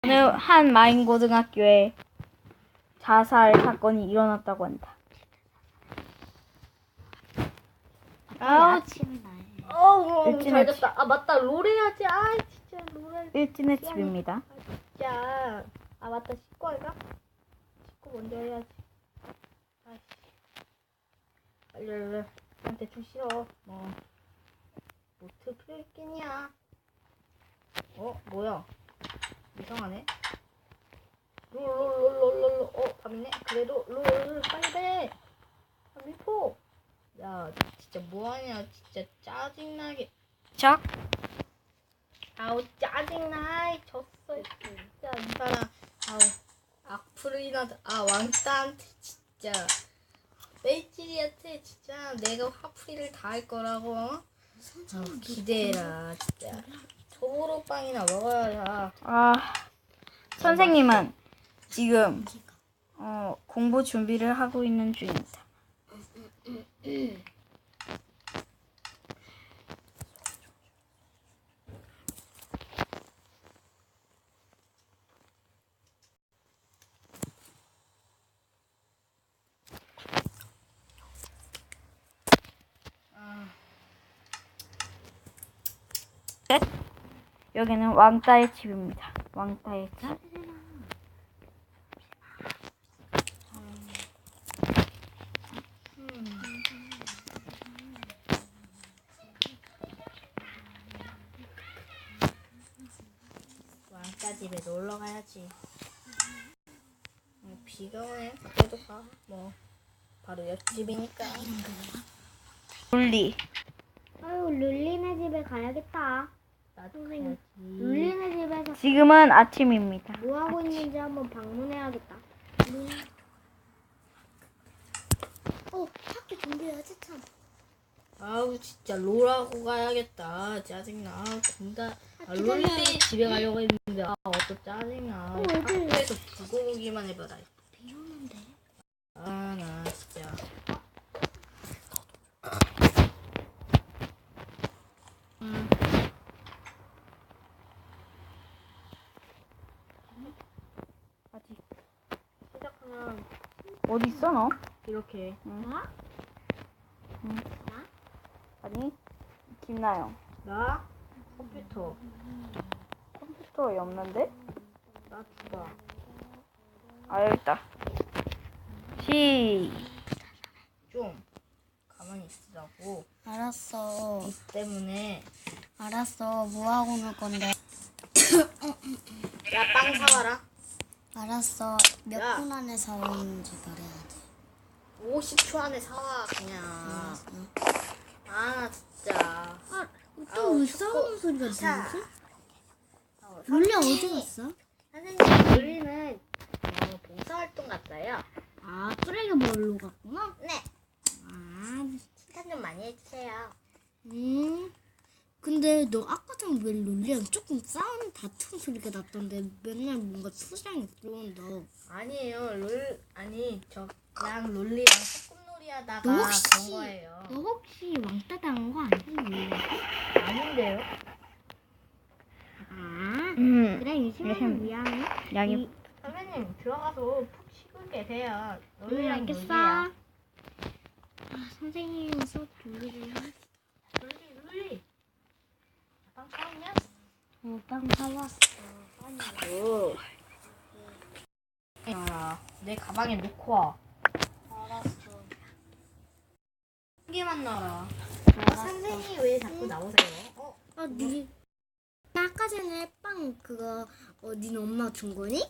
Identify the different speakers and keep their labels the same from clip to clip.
Speaker 1: 오늘 한 마인고등학교에 자살 사건이 일어났다고 한다.
Speaker 2: 아우 침나요.
Speaker 1: 일진의
Speaker 2: 잘 잤다. 아 맞다 롤 해야지. 아 진짜 롤.
Speaker 1: 일진의 집입니다.
Speaker 2: 진짜. 아 맞다 씻고 할까? 씻고 먼저 해야지. 아이씨. 빨리. 난 대충 싫어. 노트 필요 있겠냐? 뭐야? 이상하네. 롤. 밤이네. 그래도 롤 빨리 해. 미포. 야 진짜 뭐하냐? 진짜 짜증나게.
Speaker 1: 자,
Speaker 2: 아우 짜증나. 졌어 진짜 이 사람. 아우 악플이나 왕따한테 진짜 뺄찔이한테 진짜 내가 화풀이를 다 할 거라고. 기대해라 진짜. 소보로빵이나 먹어야.
Speaker 1: 선생님은 지금 공부 준비를 하고 있는 중입니다. 여기는 왕따의 집입니다. 왕따의 집.
Speaker 2: 왕따 집에 놀러 가야지. 비가 오네. 그래도 가. 바로 옆집이니까.
Speaker 1: 룰리.
Speaker 3: 아유, 룰리네 집에 가야겠다.
Speaker 2: 나도 가야지.
Speaker 3: 룰리네 집에서
Speaker 1: 지금은 아침입니다.
Speaker 3: 뭐 하고 있는지 한번 방문해야겠다. 학교 준비해야지 참.
Speaker 2: 아우 진짜 롤하고 가야겠다. 짜증나. 롤리 집에 가려고 했는데 어또 짜증나. 학교에서 두고 보기만 해봐라.
Speaker 3: 비 오는데.
Speaker 2: 나 진짜.
Speaker 1: 아직
Speaker 2: 시작하면
Speaker 1: 어디 있어 너?
Speaker 2: 이렇게.
Speaker 1: 아니 김나영.
Speaker 2: 나 컴퓨터.
Speaker 1: 컴퓨터에 없는데?
Speaker 2: 나 주가.
Speaker 1: 여기 있다.
Speaker 2: 좀 가만히 있으라고.
Speaker 3: 알았어.
Speaker 2: 이 때문에.
Speaker 3: 알았어. 뭐 하고 놀 건데?
Speaker 2: 야 빵 사와라.
Speaker 3: 알았어. 몇
Speaker 2: 야.
Speaker 3: 분 안에 사오는지 말해야지.
Speaker 2: 50초 안에 사와 그냥. 나 진짜.
Speaker 3: 또 왜
Speaker 2: 춥고.
Speaker 3: 싸우는 소리가
Speaker 2: 자.
Speaker 3: 들리지? 룰리 어디 갔어?
Speaker 2: 선생님 우리는 봉사활동 갔어요.
Speaker 3: 쓰레기 멀로 갔구나?
Speaker 2: 네. 칭찬 좀 많이 해주세요.
Speaker 3: 근데 너 아까 전에 왜 룰리랑 조금 싸우는 다툼 소리가 났던데 맨날 뭔가 투장이 들어온다.
Speaker 2: 아니에요. 저 그냥 롤리랑 소꿉놀이 하다가
Speaker 3: 너 혹시-
Speaker 2: 그런 거예요.
Speaker 3: 너 혹시 왕따 당한 거 아니지?
Speaker 2: 아닌데요?
Speaker 3: 그래 유심히 미안해.
Speaker 1: 양이
Speaker 2: 선생님 들어가서 푹 쉬고 계세요. 롤리랑
Speaker 3: 알겠어.
Speaker 2: 놀게요.
Speaker 3: 선생님 수업 준비를 해.
Speaker 2: 롤리. 빵 사왔냐?
Speaker 3: 빵 사왔어.
Speaker 2: 내 가방에 넣고 와.
Speaker 3: 알았어.
Speaker 2: 한 개만 넣어라. 선생님 왜 자꾸 나오세요?
Speaker 3: 나 아까 전에 빵 그거 니네 엄마 준 거니?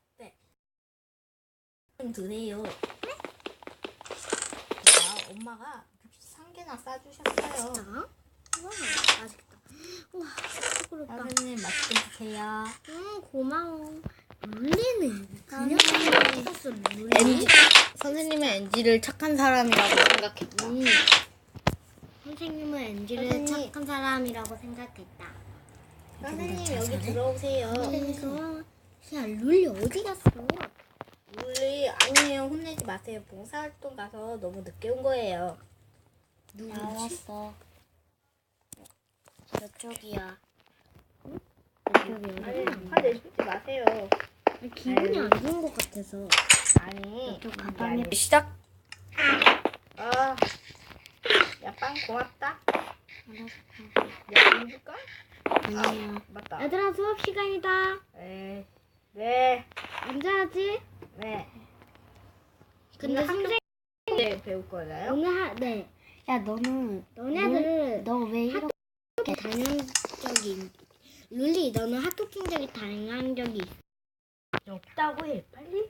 Speaker 2: 좀 드세요. 네? 자, 엄마가 63개나 싸주셨어요.
Speaker 3: 자, 와 맛있겠다. 우와, 부끄럽다.
Speaker 2: 선생님 맛있게 드세요.
Speaker 3: 고마워. 룰리는 그냥 샀어 룰리.
Speaker 2: 선생님은 엔지를 착한 사람이라고 생각했다.
Speaker 3: 선생님은 엔지를
Speaker 2: 선생님.
Speaker 3: 착한 사람이라고 생각했다.
Speaker 2: 선생님 여기 들어오세요.
Speaker 3: 야 룰리 어디 갔어?
Speaker 2: 우리 아니에요. 혼내지 마세요. 봉사활동 가서 너무 늦게 온 거예요.
Speaker 3: 나왔어. 저쪽이야.
Speaker 2: 아니 화 내시지 마세요.
Speaker 3: 기분이 안 좋은 것 같아서.
Speaker 2: 아니
Speaker 3: 좀
Speaker 2: 그게
Speaker 3: 가방에
Speaker 2: 아니라.
Speaker 1: 시작.
Speaker 2: 아, 야, 빵 고맙다.
Speaker 3: 알았어.
Speaker 2: 야, 돈 줄까?
Speaker 3: 아니야.
Speaker 2: 맞다.
Speaker 3: 얘들아 수업 시간이다.
Speaker 2: 네, 네,
Speaker 3: 앉아야지.
Speaker 2: 네.
Speaker 3: 근데
Speaker 2: 오늘
Speaker 3: 선생
Speaker 2: 네, 배울 거잖아요.
Speaker 3: 오늘 네. 야 너네들 너 왜 이렇게 단연적인 룰리 너는 학교 풍적이 다양한 적이 있어?
Speaker 2: 없다고 해, 빨리.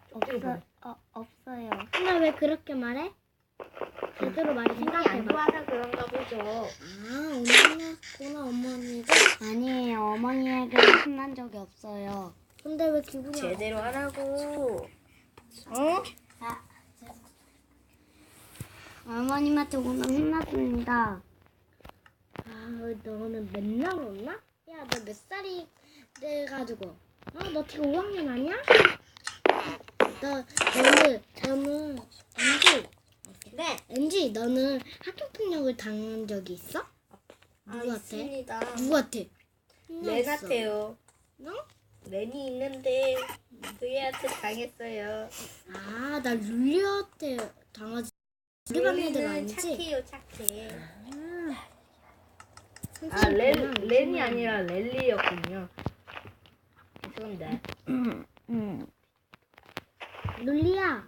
Speaker 3: 없어요. 근데 왜 그렇게 말해? 제대로 많이
Speaker 2: 안
Speaker 3: 생각해봐.
Speaker 2: 좋아서 그런가 보죠.
Speaker 3: 아 혼났구나 어머니가. 아니에요 어머니에게 혼난 적이 없어요. 근데 왜 기분이
Speaker 2: 제대로 하라고.
Speaker 3: 어? 어머님한테 오늘 혼났습니다. 아, 너는 맨날 혼나? 야, 너 몇 살이 돼가지고? 너 지금 5학년 아니야? 저는 MG, 너는 학교 폭력을 당한 적이 있어? 누구한테?
Speaker 2: 있습니다.
Speaker 3: 누구한테?
Speaker 2: 렌한테요.
Speaker 3: 너?
Speaker 2: 렌이 있는데 그 애한테 당했어요.
Speaker 3: 아, 나 룰리한테 당하지. 우리 반 애들
Speaker 2: 렌은
Speaker 3: 아니지?
Speaker 2: 착해요, 착해. 아,
Speaker 3: 선생님,
Speaker 2: 렌이 아니라 렐리였군요. 죄송합니다.
Speaker 3: 룰리야.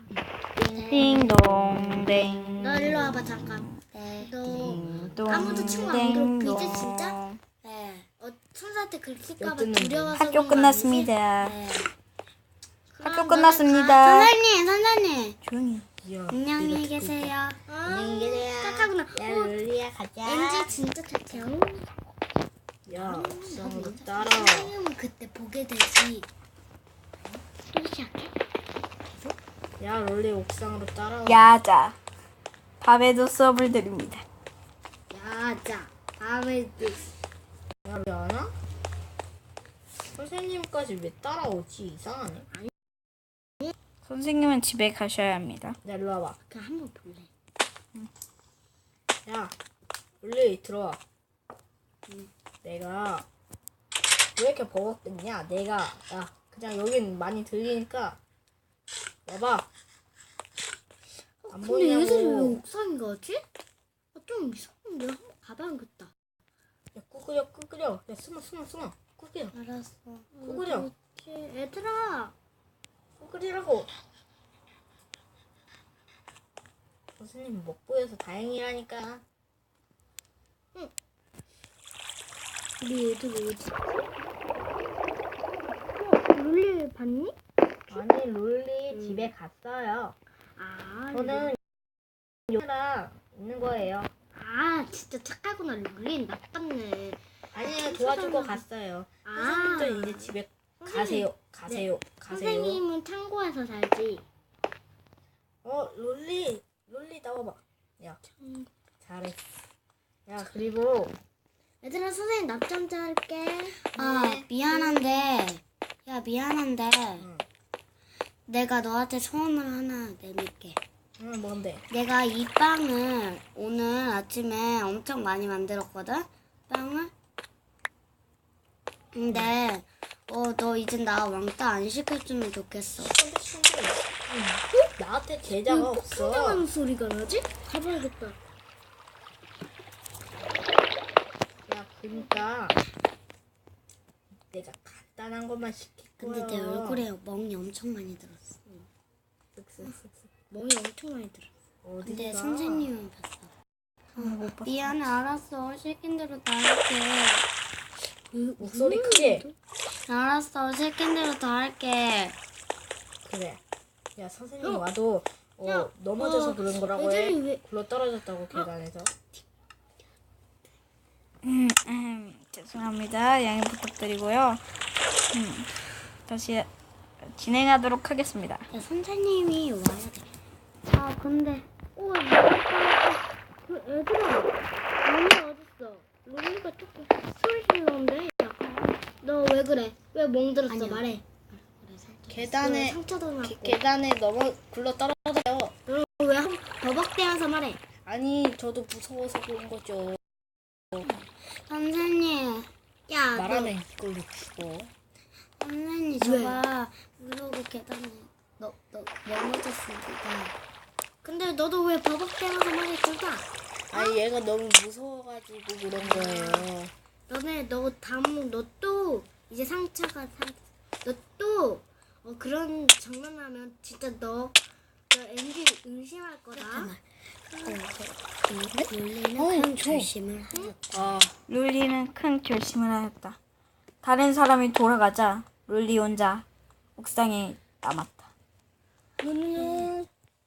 Speaker 1: 띵동댕.
Speaker 3: 너 일로 와봐 잠깐. 너 아무도 친구 안 괴롭히지 진짜? 네. 선생한테 긁힐까봐
Speaker 2: 엿듣는
Speaker 3: 두려워서
Speaker 1: 학교
Speaker 3: 그런 거
Speaker 1: 끝났습니다.
Speaker 3: 아니지? 네.
Speaker 1: 학교
Speaker 3: 그럼
Speaker 1: 끝났습니다.
Speaker 3: 너는 선생님.
Speaker 1: 조용히.
Speaker 2: 야,
Speaker 3: 안녕히 계세요.
Speaker 2: 안녕히 계세요.
Speaker 3: 착하구나.
Speaker 2: 야, 렐리야, 가자.
Speaker 3: 왠지 진짜 착해요.
Speaker 2: 야, 옥상으로 따라.
Speaker 3: 선생님은 그때 보게 되지. 또 시작해?
Speaker 2: 야, 렐리 옥상으로 따라와.
Speaker 1: 야자. 밤에도 수업을 드립니다.
Speaker 3: 야자. 다음에
Speaker 2: 야, 왜 안 와? 선생님까지 왜 따라오지? 이상하네.
Speaker 1: 선생님은 집에 가셔야 합니다.
Speaker 2: 야, 일로 와봐.
Speaker 3: 그냥 한번 볼래.
Speaker 2: 야, 렐리 들어와. 내가 왜 이렇게 버벅댔냐? 야, 그냥 여긴 많이 들리니까 와봐. 안
Speaker 3: 근데 얘들이 왜
Speaker 2: 보이냐고.
Speaker 3: 옥상인 거지? 좀 이상한데 한번 가봐야겠다.
Speaker 2: 야, 꾸꾸려. 야, 숨어. 꾸꾸려.
Speaker 3: 알았어.
Speaker 2: 꾸꾸려.
Speaker 3: 얘들아.
Speaker 2: 꾸꾸리라고. 선생님 못 보여서 다행이라니까.
Speaker 3: 우리 애들 어디? 룰리 봤니?
Speaker 2: 아니, 룰리 집에 갔어요.
Speaker 3: 아,
Speaker 2: 저는 여기랑 있는 거예요.
Speaker 3: 아 진짜 착하구나. 룰리 나빴네.
Speaker 2: 아니요, 도와주고 갔어요. 선생님도 이제 집에 가세요.
Speaker 3: 선생님은 창고에서 살지.
Speaker 2: 룰리 나와봐. 야, 잘했어. 야, 그리고
Speaker 3: 얘들아 선생님 낮잠 잘게.
Speaker 2: 네.
Speaker 3: 미안한데
Speaker 2: 응.
Speaker 3: 내가 너한테 소원을 하나 내밀게.
Speaker 2: 응, 뭔데?
Speaker 3: 내가 이 빵을 오늘 아침에 엄청 많이 만들었거든? 빵을? 근데 너 이제 나 왕따 안 시켜주면 좋겠어.
Speaker 2: 근데 나한테 제자가 없어.
Speaker 3: 소리가 나지? 가봐야겠다.
Speaker 2: 야, 그러니까 내가 간단한 것만 시킬 거야.
Speaker 3: 근데 내 얼굴에 멍이 엄청 많이 들었어. 멍이 엄청 많이 들었어.
Speaker 2: 어디가?
Speaker 3: 근데 선생님은 봤어.
Speaker 1: 못 봤어.
Speaker 3: 미안해, 알았어. 시킨 대로 다 할게.
Speaker 2: 목소리 크게.
Speaker 3: 알았어, 시킨 대로 다 할게.
Speaker 2: 그래. 야, 선생님 와도 넘어져서 그런 거라고 해.
Speaker 3: 애들이 왜-
Speaker 2: 굴러 떨어졌다고 계단에서.
Speaker 1: 죄송합니다. 양해 부탁드리고요. 다시 진행하도록 하겠습니다.
Speaker 3: 야, 선생님이 와야 돼. 근데 그 애들아, 롤리 어딨어? 롤리가 조금 소리 질러는데 약간. 너 왜 그래? 왜 멍들었어? 말해.
Speaker 2: 계단에
Speaker 3: 상처도 났고.
Speaker 2: 계단에 굴러 떨어져요.
Speaker 3: 왜 버벅대면서 말해?
Speaker 2: 아니, 저도 무서워서 그런 거죠.
Speaker 3: 선생님, 야,
Speaker 2: 말하면 이걸로 죽어.
Speaker 3: 선생님 저가 무서고 계단에 너 넘어졌으니까. 근데 너도 왜 버벅대면서 말이 들까?
Speaker 2: 아니 얘가 너무 무서워가지고 그런 거예요.
Speaker 3: 너또 이제 상처가 너또 그런 장난하면 진짜 너 엔지 의심할 거다. 룰리는 큰 결심을 하였다.
Speaker 2: 아
Speaker 1: 룰리는 큰 결심을 하였다. 다른 사람이 돌아가자 룰리 혼자 옥상에 남았다.
Speaker 2: 룰리.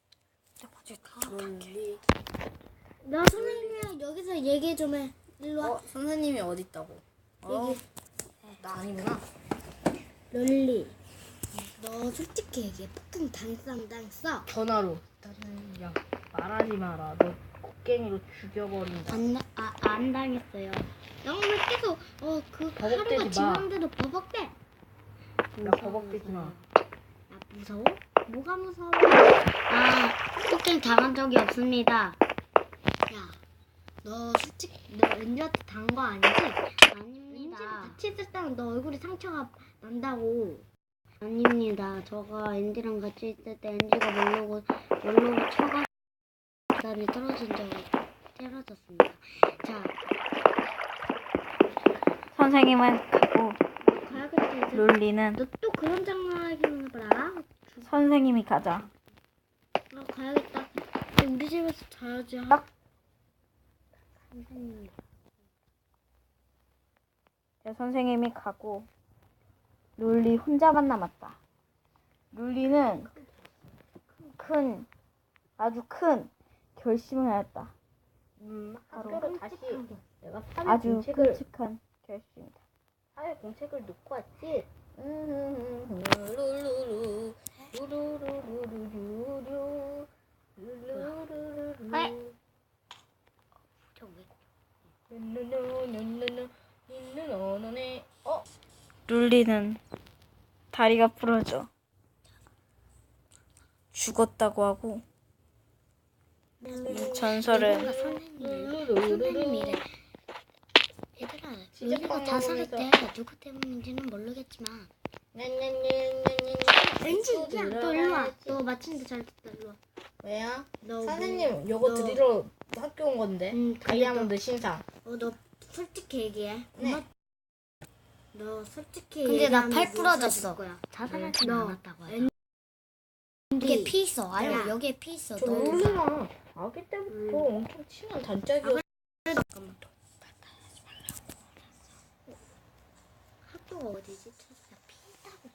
Speaker 3: 나 선생님이랑 여기서 얘기 좀 해. 일로 와.
Speaker 2: 선생님이 어디 있다고? 나 아니구나.
Speaker 3: 롤리, 너 솔직히 얘기해. 폭행 당했어.
Speaker 2: 전화로. 나는 야 말하지 마라. 너 곡괭이로 죽여버린다.
Speaker 3: 안 당했어요. 영왜 계속 그
Speaker 2: 버벅대지
Speaker 3: 하루가
Speaker 2: 마.
Speaker 3: 지났는데도 버벅대.
Speaker 2: 야 버벅대지 마.
Speaker 3: 야 무서워? 뭐가 무서워? 폭행 당한 적이 없습니다. 야, 너 솔직히 너 엔지한테 당한 거 아니지? 아닙니다. 엔지가 같이 있을 때는 너 얼굴에 상처가 난다고. 아닙니다. 저가 엔지랑 같이 있을 때 엔지가 모르고 쳐가 계단에 떨어졌습니다. 자,
Speaker 1: 선생님은 가고
Speaker 3: 가야겠다 이제.
Speaker 1: 룰리는
Speaker 3: 너 또 그런 장난하기만 해봐라.
Speaker 1: 선생님이 가자.
Speaker 3: 가야겠다. 우리 집에서 자야지.
Speaker 1: 딱.
Speaker 3: 선생님.
Speaker 1: 선생님이 가고 룰리 혼자만 남았다. 룰리는 아주 큰 결심을 하였다.
Speaker 2: 학교로 다시 내가 사회
Speaker 1: 아주
Speaker 2: 공책을
Speaker 1: 끔찍한 결심이다.
Speaker 2: 사회 공책을 놓고 왔지. 루루루 루루루루루루 루루루루루
Speaker 3: 저 왜?
Speaker 2: 누누누누누누 누누누누네.
Speaker 1: 룰리는 다리가 부러져 죽었다고 하고 이 전설은
Speaker 3: 선생님이래. 얘들아, 룰리가 자살했대. 누구 때문인지는 모르겠지만. 왠지 야, 너 일로 와. 너 마침내 잘 됐다. 일로 와.
Speaker 2: 왜요?
Speaker 3: 너
Speaker 2: 선생님 요거
Speaker 3: 너-
Speaker 2: 드리러 학교 온 건데.
Speaker 3: 응,
Speaker 2: 다이아몬드 신상.
Speaker 3: 너 솔직히 얘기해.
Speaker 2: 네.
Speaker 3: 너 솔직히
Speaker 4: 근데 나
Speaker 3: 얘기하면
Speaker 4: 팔 부러졌어.
Speaker 3: 무서워질 거야.
Speaker 4: 자살하진
Speaker 3: 너
Speaker 4: 않았다고
Speaker 3: 엔-
Speaker 4: 여기에 피 있어.
Speaker 3: 야.
Speaker 4: 알고 여기에 피 있어.
Speaker 2: 저
Speaker 4: 너
Speaker 2: 룰루랑 아기 때부터 엄청 친한 단짝이었어.
Speaker 3: 학교가 어디지? 찾아. 피다고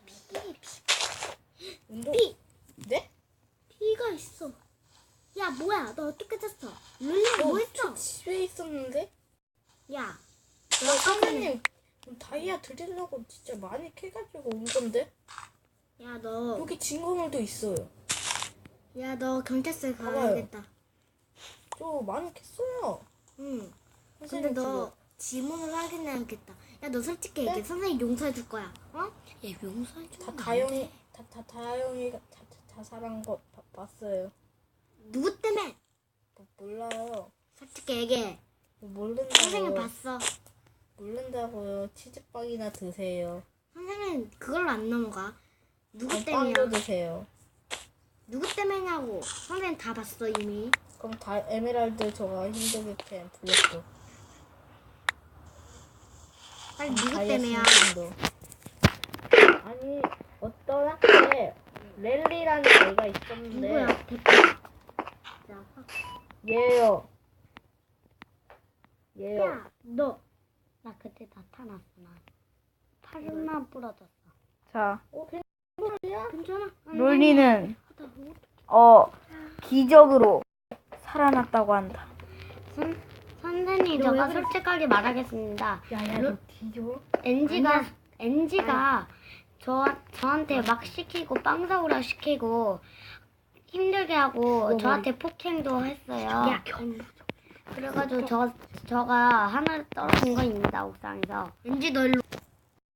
Speaker 2: 운동.
Speaker 3: 피.
Speaker 2: 네?
Speaker 3: 피가 있어. 야 뭐야? 너 어떻게 됐어? 룰리 뭐 했어?
Speaker 2: 저 집에 있었는데.
Speaker 3: 야,
Speaker 2: 너 선생님 다이아 드리려고 진짜 많이 캐가지고 온 건데. 여기 증거물도 있어요.
Speaker 3: 야 너 경찰서에
Speaker 2: 봐봐요.
Speaker 3: 가야겠다.
Speaker 2: 저 많이 캤어요.
Speaker 3: 응. 근데
Speaker 2: 선생님
Speaker 3: 너 지문을 확인해야겠다. 야 너 솔직히 얘기해. 선생님 용서해 줄 거야.
Speaker 4: 얘 용서해 줘.
Speaker 2: 다 다영이 다영이가 자살한 거 봤어요.
Speaker 3: 누구 때문에?
Speaker 2: 몰라요.
Speaker 3: 솔직히 얘기해. 선생님
Speaker 2: 모른다고요.
Speaker 3: 봤어.
Speaker 2: 모른다고요. 치즈빵이나 드세요.
Speaker 3: 선생님 그걸로 안 넘어가. 누구
Speaker 2: 빵도
Speaker 3: 때문이야?
Speaker 2: 드세요.
Speaker 3: 누구 때문이냐고. 선생님 다 봤어 이미.
Speaker 2: 그럼 다 에메랄드 저가 힘들게 캔 블록도.
Speaker 3: 빨리 누구
Speaker 2: 다이아
Speaker 3: 때문이야?
Speaker 2: 신상도. 아니 어떤 학교에 랠리라는 애가 있었는데
Speaker 3: 누구야? 대표. 자,
Speaker 2: 얘요.
Speaker 3: 야, 너.
Speaker 4: 나 그때 나타났어. 나 팔만 부러졌어.
Speaker 1: 자,
Speaker 3: 괜찮아?
Speaker 1: 룰리는 기적으로 살아났다고 한다.
Speaker 4: 선생님,
Speaker 3: 너 왜
Speaker 4: 제가
Speaker 3: 그래?
Speaker 4: 솔직하게 말하겠습니다.
Speaker 2: 야야 너 뒤져.
Speaker 4: NG가 저한테 막 시키고 빵사고라 시키고 힘들게 하고 저한테 폭행도 했어요.
Speaker 3: 야,
Speaker 4: 그래가지고 저가 하나 떨어진 거입니다. 옥상에서.
Speaker 3: 왠지 너 일로.